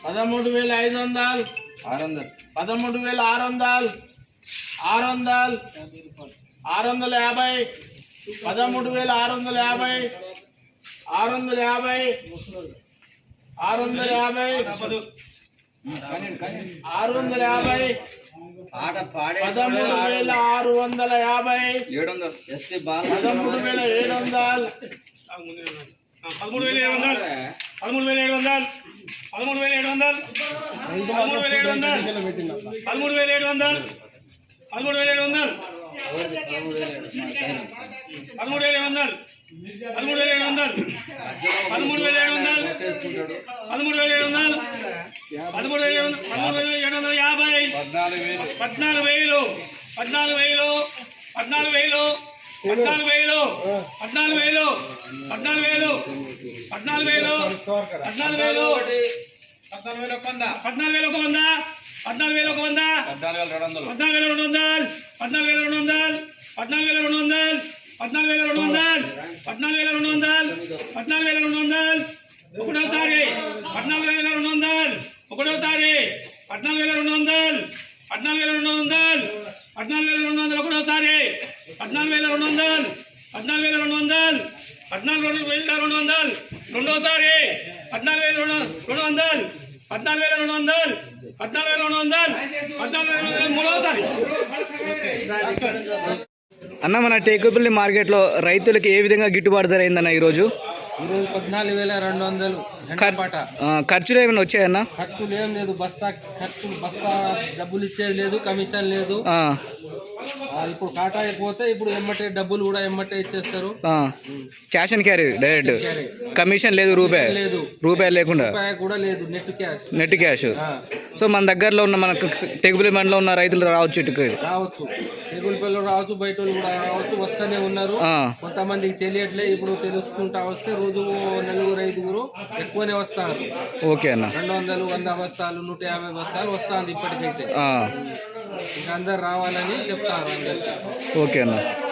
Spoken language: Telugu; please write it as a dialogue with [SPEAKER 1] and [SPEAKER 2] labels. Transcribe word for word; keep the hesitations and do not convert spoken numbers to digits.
[SPEAKER 1] పదమూడు వేల ఐదు వందలు
[SPEAKER 2] ఆరు వందలు
[SPEAKER 1] పదమూడు వేల ఆరు వందలు ఆరు వందలు ఆరు వందల యాభై పదమూడు వేల ఆరు వందల యాభై ఆరు వందల యాభై ఆరు వందల యాభై ఆరు వందల యాభై పదమూడు వేల ఆరు వందల యాభై
[SPEAKER 2] ఏడు వందలు ఎస్పీ బాల్
[SPEAKER 1] పదమూడు వేల ఏడు వందలు
[SPEAKER 3] పదమూడు వేల ఏడు వందలు పదమూడు వేల ఏడు వందలు పదమూడు వేల ఏడు వందలు పదమూడు వేల ఏడు వందలు పదమూడు వేల ఏడు వందలు పదమూడు వేల ఏడు వందలు పదమూడు వేల ఏడు వందలు పదమూడు వేల ఏడు వందలు పదమూడు వేల ఏడు వందలు పదమూడు వేల ఏడు వందలు పదమూడు వేల పదమూడు వేల ఏడు వందల యాభై పద్నాలుగు వేలు పద్నాలుగు వేలు పద్నాలుగు వేలు పద్నాలుగు వేలు పద్నాలుగు వేలు పద్నాలుగు వేలు పద్నాలుగు వేలు పద్నాలుగు వేలు పద్నాలుగు వేలు ఒక వంద పద్నాలుగు వేలు ఒక వంద పద్నాలుగు వేలు ఒక వంద పద్నాలుగు వేల రెండు వందలు పద్నాలుగు వేల రెండు వందలు పద్నాలుగు వేల రెండు వందలు పద్నాలుగు వేల రెండు వందలు పద్నాలుగు వేల రెండు వందలు పద్నాలుగు వేల రెండు వందలు ఒకటో తారీఖు పద్నాలుగు వేల రెండు వందలు ఒకటో తారీఖు పద్నాలుగు వేల రెండు వందలు పద్నాలుగు వేల రెండు వందలు పద్నాలుగు వేల రెండు వందలు ఒకటో తారీఖు పద్నాలుగు వేల రెండు వందలు పద్నాలుగు వేల రెండు వందలు పద్నాలుగు వేల రెండు వందలు రెండో తారీఖు పద్నాలుగు వేల రెండు రెండు వందలు పద్నాలుగు వేల రెండు వందలు పద్నాలుగు వేల రెండు వందలు పద్నాలుగు వేల రెండు వందలు మూడో తారీఖు.
[SPEAKER 4] అన్న మన టేకుపల్లి మార్కెట్లో రైతులకు ఏ విధంగా గిట్టుబాటు ధర అయిందన్న ఈరోజు?
[SPEAKER 5] ఈరోజు పద్నాలుగు వేల రెండు వందలు పాట.
[SPEAKER 4] ఖర్చులు ఏమైనా వచ్చాయన్న?
[SPEAKER 5] ఖర్చులు ఏం లేదు, బస్తా ఖర్చులు బస్తా డబ్బులు ఇచ్చేది లేదు, కమిషన్ లేదు. ఇప్పుడు కాటా అయిపోతే ఇప్పుడు ఎమ్మటే డబ్బులు కూడా ఎమ్మటే ఇచ్చేస్తారు.
[SPEAKER 4] Cash and carry direct, commission లేదు, రూపాయి
[SPEAKER 5] లేదు,
[SPEAKER 4] రూపాయలు లేకుండా
[SPEAKER 5] కూడా లేదు, net cash
[SPEAKER 4] net cash. So మన దగ్గరలో ఉన్న మన టెగుపల్లి మండలంలో ఉన్న రైతులు రావచ్చు, ఇటుకు
[SPEAKER 5] రావచ్చు, టెగుపల్లిలో రావచ్చు, బయట కూడా రావచ్చు, వస్తూనే ఉన్నారు. కొంతమందికి తెలియట్లే, ఇప్పుడు తెలుసుకుంటా వస్తే రోజు నలుగురు ఐదుగురు ఎక్కువనే వస్తారు.
[SPEAKER 4] ఓకే అన్న.
[SPEAKER 5] రెండు వందలు వంద బస్తాలు నూట యాభై బస్తాలు వస్తుంది ఇప్పటికైతే. ఇంకా అందరు రావాలని చెప్తారు అందరికి.
[SPEAKER 4] ఓకే అన్న.